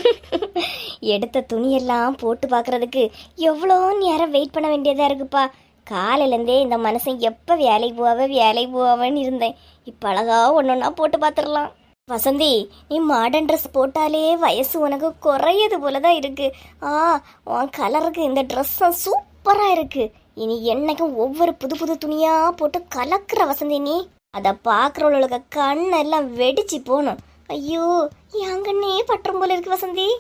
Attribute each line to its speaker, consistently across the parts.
Speaker 1: எடுத்த துணியெல்லாம் போட்டு பார்க்கறதுக்கு எவ்வளோ நேரம் வெயிட் பண்ண வேண்டியதாக இருக்குப்பா. காலையிலேருந்தே இந்த மனுஷன் எப்போ வேலைக்கு போவான்னு இருந்தேன். இப்போ அழகா ஒன்றா போட்டு பார்த்துடலாம். வசந்தி, நீ மாடர்ன் ட்ரெஸ் போட்டாலே வயசு உனக்கு குறையது போல தான் இருக்கு. உன் கலருக்கு இந்த ட்ரெஸ்ஸும் சூப்பராக இருக்கு. இனி என்னைக்கும் ஒவ்வொரு புது புது துணியாக போட்டு கலக்குற வசந்தி நீ. அதை பார்க்குறவங்களுக்கு கண்ணெல்லாம் வெடிச்சு போகணும். ஐயோ, என் கண்ணே பற்றும் போல இருக்கு வசந்தி.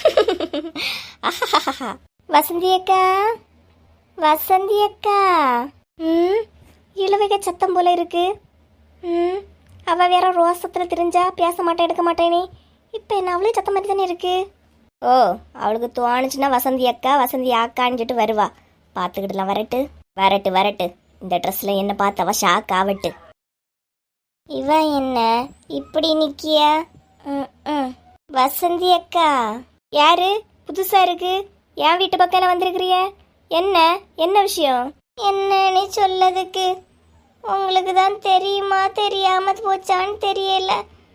Speaker 1: வசந்தி அக்கா, வசந்தி அக்கா. இழுவைக சத்தம் போல இருக்கு. அவ வேற ரோசத்துல தெரிஞ்சா பேச மாட்டேன், எடுக்க மாட்டேனே. இப்போ என்ன அவளே சத்தம் மாதிரி தானே இருக்கு. ஓ, அவளுக்கு தோணுச்சுன்னா வசந்தி அக்கா வசந்தி அக்கான்னு சொல்லிட்டு வருவா. பார்த்துக்கிட்டுலாம். வரட்டு. இந்த ட்ரெஸ்ல என்ன பார்த்தவ ஷாக் ஆவட்டு. இவ என்ன இப்படி நிக்கிய? வசந்தி அக்கா யாரு? புதுசா இருக்கு. என் வீட்டு பக்கம் வந்திருக்கிறிய? என்ன விஷயம்? என்னன்னு சொல்லதுக்கு உங்களுக்கு தான் தெரியுமா தெரியாம போச்சான்னு தெரியல.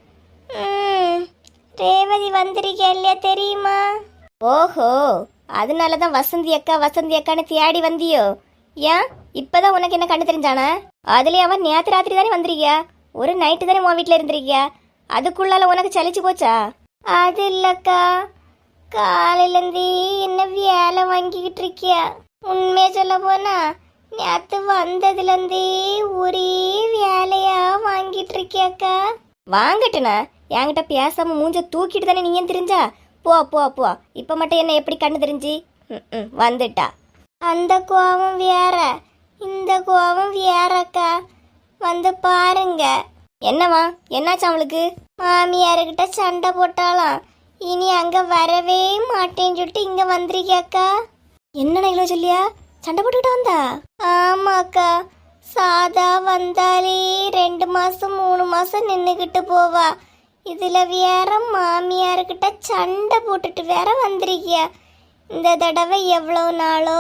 Speaker 1: ரேவதி வந்திருக்கா இல்லையா தெரியுமா? ஓஹோ, அதனாலதான் வசந்தி அக்கான்னு தேடி வந்தியோ? ஏன் இப்பதான் உனக்கு என்ன கண்டு தெரிஞ்சானா? அதுலயே அவன் நேத்து ராத்திரி தானே வந்திருக்கியா? ஒரு நைட்டு தானே உன் வீட்டுல இருந்திருக்கியா? அதுக்குள்ளால உனக்கு சலிச்சு போச்சா? அது இல்லக்கா, காலையிலேருந்தே என்ன வேலை வாங்கிக்கிட்டு இருக்கியா? உண்மையை சொல்ல போனா நேற்று வந்ததுலேருந்தே ஒரே வேலையா வாங்கிட்டு இருக்கியாக்கா. வாங்கட்டுனா என்கிட்ட பேசாம மூஞ்ச தூக்கிட்டு தானே நீங்க தெரிஞ்சா? போ. இப்போ மட்டும் என்ன எப்படி கண்ணு தெரிஞ்சு வந்துட்டா? அந்த கோவம் வேற, இந்த கோவம் வேறக்கா. வந்து பாருங்க. என்னவா? என்னாச்சு அவளுக்கு? மாமியாருக்கிட்ட சண்டை போட்டாலாம். இனி அங்க வரவே மாட்டேன்னு சொல்லிட்டு இங்க வந்திருக்கியாக்கா. என்னடா இவ்வளோ சொல்லியா? சண்டை போட்டுக்கிட்டு வந்தா? ஆமாக்கா, சாதா வந்தாலே 2 மாசம் 3 மாசம் நின்றுக்கிட்டு போவா. இதுல வேற மாமியாருக்கிட்ட சண்டை போட்டுட்டு வேற வந்திருக்கியா. இந்த தடவை எவ்வளோ நாளோ?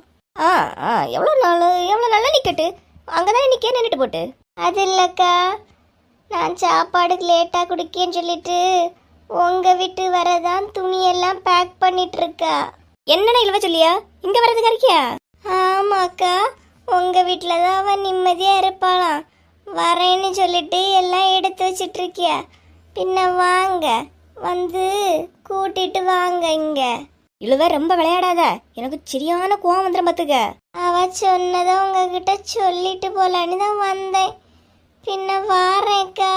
Speaker 1: எவ்வளோ நாளா நிக்கட்டு? அங்கதான் நிக்க நின்றுட்டு போட்டு. அது இல்லக்கா, நான் சாப்பாடுக்கு லேட்டாக குடிக்கேன்னு சொல்லிட்டு உங்க வீட்டு வரதான் துணியெல்லாம் பேக் பண்ணிட்டு இருக்கா. என்னடா இழுவ சொல்லியா? இங்க வரதுக்கு இருக்கியா? ஆமாக்கா, உங்க வீட்டுல தான் அவன் நிம்மதியா இருப்பாளாம். வரேன்னு சொல்லிட்டு எல்லாம் எடுத்து வச்சிட்டு இருக்கியா. பின்ன வாங்க, வந்து கூட்டிட்டு வாங்க இங்க. இழுவ ரொம்ப விளையாடாத, எனக்கு சரியான கோவம் வந்துடும் பார்த்துக்க. அவ சொன்னதை உங்ககிட்ட சொல்லிட்டு போலான்னு தான் வந்தேன். பின்ன வாரேக்கா.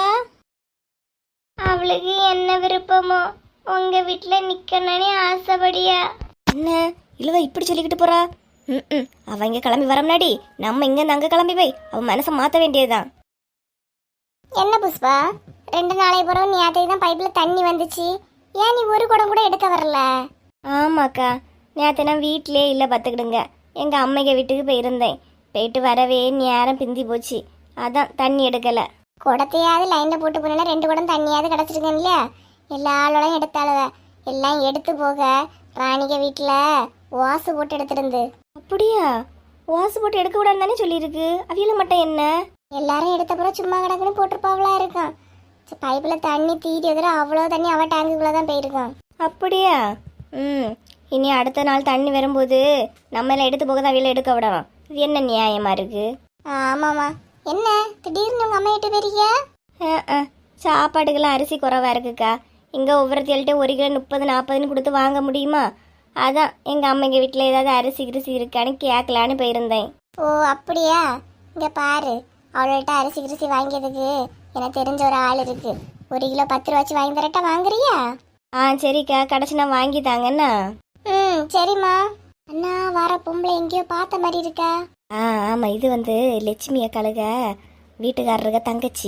Speaker 1: அவளுக்கு என்ன விருப்பமோ உங்க வீட்டுல நிக்கணும்னு ஆசைப்படியா? என்ன இழுவ இப்படி சொல்லிக்கிட்டு போறா? அவ இங்க கிளம்பி வர முன்னாடி நம்ம இங்க அங்க கிளம்பி போய் அவ மனசை மாத்த வேண்டியதுதான். என்ன புஷ்பா, 2 நாளைக்கு பிறகு நீ தான் பைப்ல தண்ணி வந்துச்சு. ஏன் நீ ஒரு குடம் கூட எடுக்க வரல? ஆமாக்கா, நேற்று நான் வீட்டிலே இல்லை பார்த்துக்கிடுங்க. எங்கள் அம்மைங்க வீட்டுக்கு போயிருந்தேன். போயிட்டு வரவே நேரம் பிந்தி போச்சு. அதான் தண்ணி எடுக்கலை. குடத்தையாவது லைனில் போட்டு போனேன்னா 2 குடம் தண்ணியாவது கிடச்சிருக்கேன் இல்லையா? எல்லா ஆளோடையும் எடுத்தாளுவ. எல்லாம் எடுத்து போக ராணிக வீட்டில் வாசு போட்டு எடுத்துருந்து. அப்படியா? வாசு போட்டு எடுக்க கூடாதுன்னு தானே சொல்லியிருக்கு. அவியல மட்டும் என்ன? எல்லாரும் எடுத்தப்பறம் சும்மா கிடக்குன்னு போட்டிருப்பாவளா இருக்கான். பைப்பில் தண்ணி தீரி எதிர அவ்வளோ தண்ணி அவள் டேங்குக்குள்ளே தான் போயிருக்கான். அப்படியா? இனி அடுத்த நாள் தண்ணி வரும்போது நம்ம எல்லாம் எடுத்து போக தான் அவையில எடுக்க விடலாம். இது என்ன நியாயமா இருக்கு? ஆமாம்மா. என்ன திடீர்னு உங்கள் அம்மா கிட்ட போயிருக்கியா? சாப்பாட்டுக்கெல்லாம் அரிசி குறைவா இருக்குக்கா. இங்கே ஒவ்வொருத்தையில்ட்டே 1 கிலோ 30-40 கொடுத்து வாங்க முடியுமா? அதான் எங்கள் அம்மைங்க வீட்டில் ஏதாவது அரிசி கிரிசி இருக்கான்னு கேட்கலான்னு போயிருந்தேன். ஓ அப்படியா? இங்கே பாரு, அவள்கிட்ட அரிசி கிரிசி வாங்கியதுக்கு எனக்கு தெரிஞ்ச ஒரு ஆள் இருக்கு. 1 கிலோ 10 ரூபா வச்சு வாங்கி தரட்டா? வாங்குறியா? சரிக்கா, கடைசி நான் வாங்கி தாங்கண்ணா. சரிம்மா. அண்ணா, வர பொம்பளை எங்கேயோ பார்த்த மாதிரி இருக்கா? ஆமாம், இது வந்து லட்சுமி அக்காளுக வீட்டுக்காரருக தங்கச்சி.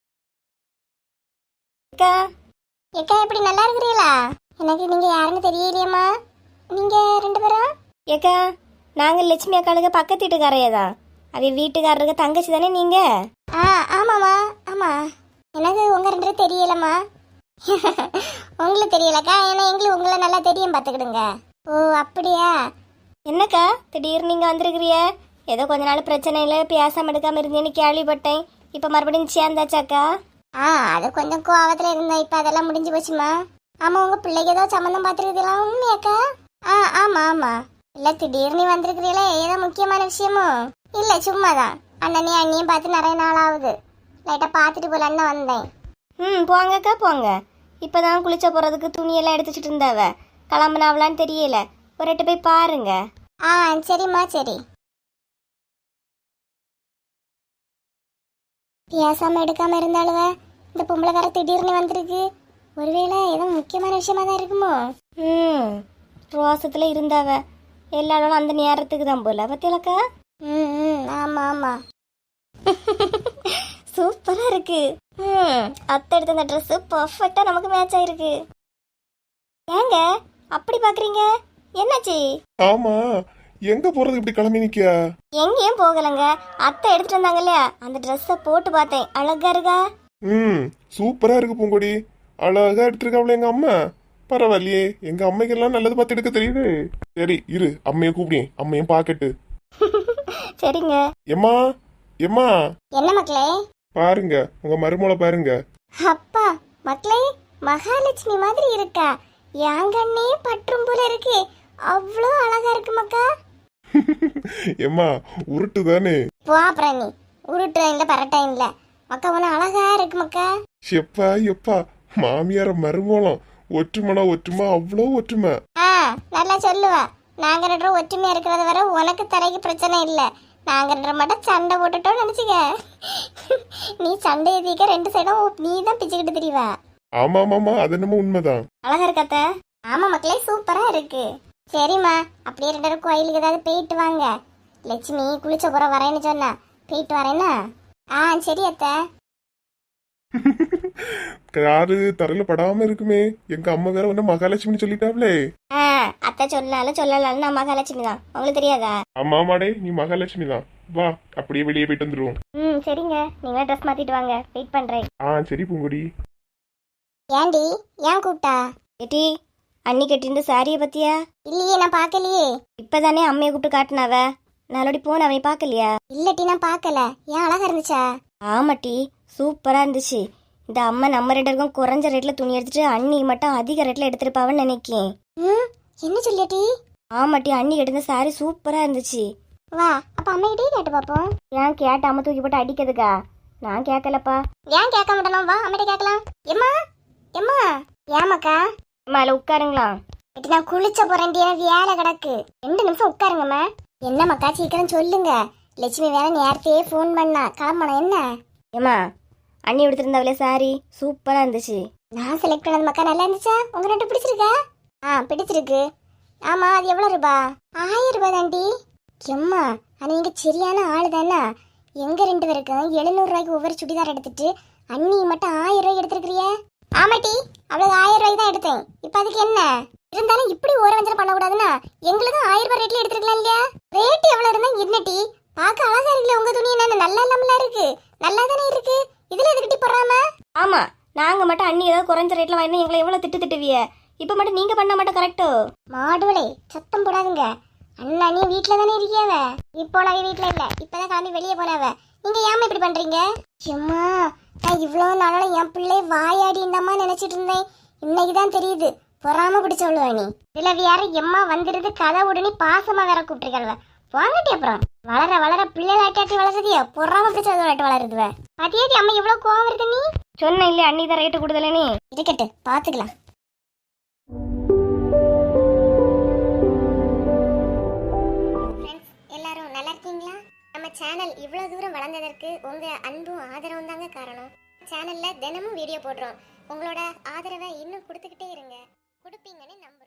Speaker 1: அக்கா எப்படி நல்லா இருக்கிறீங்களா? எனக்கு நீங்க யாருன்னு தெரியலையம்மா. நீங்க 2 பேரும்? ஏக்கா, நாங்கள் லட்சுமி அக்காளுக பக்கத்து வீட்டுக்காரையே தான். அவ வீட்டுக்காரருக தங்கச்சி தானே நீங்க? ஆமாம்மா. ஆமா, எனக்கு உங்க 2 பேரும் தெரியலம்மா. உங்களுக்கு தெரியலக்கா, ஏன்னா எங்களுக்கு உங்களை நல்லா தெரியும் பார்த்துக்கிடுங்க. ஓ அப்படியா? என்னக்கா திடீர்னு நீங்கள் வந்திருக்கிறிய? ஏதோ கொஞ்ச நாள் பிரச்சனையில் பேசாமல் எடுக்காமல் இருந்தேன்னு கேள்விப்பட்டேன். இப்போ மறுபடியும் சேர்ந்தாச்சாக்கா? அது கொஞ்சம் கோவத்தில் இருந்தேன். இப்போ அதெல்லாம் முடிஞ்சு போச்சுமா. ஆமா, உங்க பிள்ளைக்கு ஏதோ சம்மந்தம் பார்த்துருக்குதா உண்மையாக்கா? ஆமா ஆமா. இல்ல திடீர்னு வந்திருக்கிறீங்களே, ஏதோ முக்கியமான விஷயமோ? இல்ல சும்மாதான். அண்ணனையும் அண்ணியும் பார்த்து நிறைய நாள் ஆகுது, லைட்டா பார்த்துட்டு போலான்னு வந்தேன். போங்கக்கா போங்க. இப்பதான் குளிச்ச போறதுக்கு துணியெல்லாம் எடுத்து வச்சுட்டு இருந்தாவ, கிளம்புனாவலான்னு தெரியல. ஒரு எட்டு போய் பாருங்க. சரிம்மா சரி. பேசாம எடுக்காம இருந்தாலுவ, இந்த பொம்பளை வேற திடீர்னு வந்திருக்கு. ஒருவேளை ஏதோ முக்கியமான விஷயமா தான் இருக்குமோ? ரோசத்துல இருந்தாவ, எல்லாரும் அந்த நேரத்துக்கு தான் போல பத்தியலக்கா. ஆமா ஆமா. சூப்பரா இருக்கு. அத்தை எடுத்த அந்த ட்ரெஸ் பர்ஃபெக்ட்டா நமக்கு மேட்ச் ஆயிருக்கு. ஏங்க அப்படி பாக்குறீங்க, என்னாச்சு?
Speaker 2: ஆமா, எங்க போறது இப்படி கிளம்பி நிக்க?
Speaker 1: எங்கேயும் போகலங்க, அத்தை எடுத்துட்டு வந்தாங்க இல்லையா, அந்த ட்ரெஸ்ஸ போட்டு பார்த்தேன். அழகா இருக்கா?
Speaker 2: சூப்பரா இருக்கு பூங்கொடி. அழகா எடுத்திருக்காப்ல எங்க அம்மா. பரவாயில்லையே, எங்க அம்மைக்கெல்லாம் நல்லது பார்த்து எடுக்க தெரியுது. சரி இரு, அம்மைய கூப்பிடுங்க, அம்மையும் பாக்கட்டு.
Speaker 1: சரிங்க.
Speaker 2: எம்மா எம்மா,
Speaker 1: என்ன மக்களே?
Speaker 2: பாருங்க உங்க மருமகளை பாருங்க.
Speaker 1: அப்பா மக்களே, மகாலட்சுமி மாதிரி இருக்கா. யாங்கண்ணே பற்றும் போல இருக்கு. அவ்வளோ அழகா இருக்கு மக்கா.
Speaker 2: எம்மா உருட்டு தானே?
Speaker 1: போ அப்புறம் நீ உருட்டு இல்ல பரட்டும் இல்ல மக்கா, உன அழகா இருக்கு மக்கா.
Speaker 2: எப்பா எப்பா, மாமியார மருமலம் ஒற்றுமைனா ஒற்றுமை, அவ்வளோ ஒற்றுமை.
Speaker 1: நல்லா சொல்லுவா. நாங்க ரெண்டு பேரும் ஒற்றுமையா இருக்கிறத வர உனக்கு தரைக்கு பிரச்சனை இல்ல. நாங்க ரெண்டு மட்டும் சண்டை போட்டுட்டோம் நினைச்சுக்க. நீ சண்டை எதிக்க ரெண்டு சைடும் நீ தான் பிச்சுக்கிட்டு தெரியவா.
Speaker 2: ஆமா ஆமாமா, அது என்னமோ உண்மைதான்.
Speaker 1: அழகா இருக்காத்த? ஆமா மக்களே, சூப்பரா இருக்கு. சரிம்மா, அப்படியே ரெண்டு பேரும் கோயிலுக்கு ஏதாவது போயிட்டு வாங்க. லட்சுமி குளிச்ச புற வரேன்னு சொன்னா, போயிட்டு வரேன்னா? சரி அத்தை.
Speaker 2: காரு தரையில படாம இருக்குமே, எங்க அம்மா வேற ஒண்ணு மகாலட்சுமி சொல்லிட்டாப்லே.
Speaker 1: அத்தை சொன்னாலும் சொல்லலாம், நான் மகாலட்சுமி தான், உங்களுக்கு தெரியாதா?
Speaker 2: ஆமா ஆமாடே, நீ மகாலட்சுமி தான். வா அப்படியே வெளியே போயிட்டு வந்துருவோம்.
Speaker 1: சரிங்க, நீங்க ட்ரெஸ் மாத்திட்டு வாங்க, வெயிட் பண்றேன்.
Speaker 2: சரி பூங்குடி.
Speaker 1: ஏண்டி ஏன் கூப்பிட்டா? ஏட்டி, அண்ணி கட்டிருந்த சாரிய பத்தியா? இல்லையே, நான் பாக்கலையே. இப்பதானே அம்மையை கூப்பிட்டு காட்டினாவ, நாளோடி போன அவனை பாக்கலையா? இல்லட்டி நான் பாக்கல. ஏன் அழகா இருந்துச்சா? ஆமாட்டி, சூப்பரா இருந்துச்சு. இந்த அம்மா நம்ம ரெண்டு பேருக்கும் குறைஞ்ச ரேட்ல துணி எடுத்துட்டு அண்ணி மட்டும் அதிக ரேட்ல எடுத்திருப்பாவன்னு நினைக்கேன். என்ன சொல்லியாட்டி? ஆமாட்டி, அண்ணி எடுத்த சாரி சூப்பரா இருந்துச்சு. வா அப்ப அம்மைகிட்டே கேட்டு பாப்போம். ஏன் கேட்ட அம்மா தூக்கி போட்டு அடிக்கிறதுக்கா? நான் கேட்கலப்பா. ஏன் கேட்க மாட்டேனோ? வா அம்மிட்ட கேட்கலாம். எம்மா எம்மா. ஏமாக்கா? அம்மா இல்ல உட்காருங்களா. நான் குளிச்ச போறேன், வேலை கிடக்கு. 2 நிமிஷம் உட்காருங்கம்மா. என்னம்மாக்கா சீக்கிரம் சொல்லுங்க. லட்சுமி வேற நேரத்தையே ஃபோன் பண்ணா, கிளம்பணும். என்ன? ஏம்மா, அண்ணி எடுத்திருந்தாவில சாரி சூப்பரா இருந்துச்சு. நான் செலக்ட் பண்ணது மக்கா நல்லா இருந்துச்சா? உங்க ரெண்டு பிடிச்சிருக்கா? பிடிச்சிருக்கு. ஆமா, அது எவ்வளவு ரூபா? 1000 ரூபாய் தாண்டி. எம்மா, நீங்க சரியான ஆளு தானே. எங்க ரெண்டு பேருக்கும் 700 ரூபாய்க்கு ஒவ்வொரு சுடிதார் எடுத்துட்டு அண்ணி மட்டும் 1000 ரூபாய் எடுத்திருக்கிறிய? ஆமாட்டி, அவ்வளவு 1000 ரூபாய்க்கு தான் எடுத்தேன். இப்ப அதுக்கு என்ன இருந்தாலும் இப்படி ஒரு வஞ்சனை பண்ணக்கூடாதுன்னா எங்களுக்கு 1000 ரூபாய் ரேட்ல எடுத்துருக்கலாம் இல்லையா? ரேட் எவ்வளவு இருந்தா என்னட்டி? பார்க்க அழகா இருக்குல்ல உங்க துணி. என்ன நல்லா இல்லாமல இருக்கு? நல்லா தானே இருக்கு. இதுல எதுக்கிட்டி போடுறாம? ஆமா, நாங்க மட்டும் அண்ணி ஏதாவது குறைஞ்ச ரேட்ல வாங்கினா எங்களை எவ்வளவு திட்டுவிய. இப்ப மட்டும் நீங்க பண்ண மட்டும் கரெக்டோ? மாடுவளே, சத்தம் போடாதுங்க. அண்ணா நீ வீட்டுல தானே இருக்கியாவ? இப்போ நான் வீட்டுல இல்ல, இப்பதான் கிளம்பி வெளியே போனாவ. நீங்க ஏமா இப்படி பண்றீங்க? சும்மா நான் இவ்வளவு நாளோட என் பிள்ளை வாயாடி இந்தம்மா நினைச்சிட்டு இருந்தேன். இன்னைக்குதான் தெரியுது பொறாம பிடிச்சவளுவ நீ. இதுல வேற எம்மா வந்துருது கதை உடனே பாசமா வேற கூப்பிட்டுருக்கல்வ. வாங்கட்டி அப்புறம் வளர வளர பிள்ளைலாட்டி வளர்றதியா பொறாம பிடிச்சது வளருதுவ. அதேடி அம்மா இவ்வளவு கோவம் வருது நீ? சொன்ன இல்ல அண்ணி தான் ரேட்டு கொடுதல. நீ இருக்கட்டு பாத்துக்கலாம். எல்லாரும் நல்லா இருக்கீங்களா? நம்ம சேனல் இவ்வளவு தூரம் வளர்ந்ததற்கு உங்க அன்பும் ஆதரவும் தாங்க காரணம். சேனல்ல தினமும் வீடியோ போடுறோம். உங்களோட ஆதரவை இன்னும் கொடுத்துக்கிட்டே இருங்க. கொடுப்பீங்கன்னு நம்ப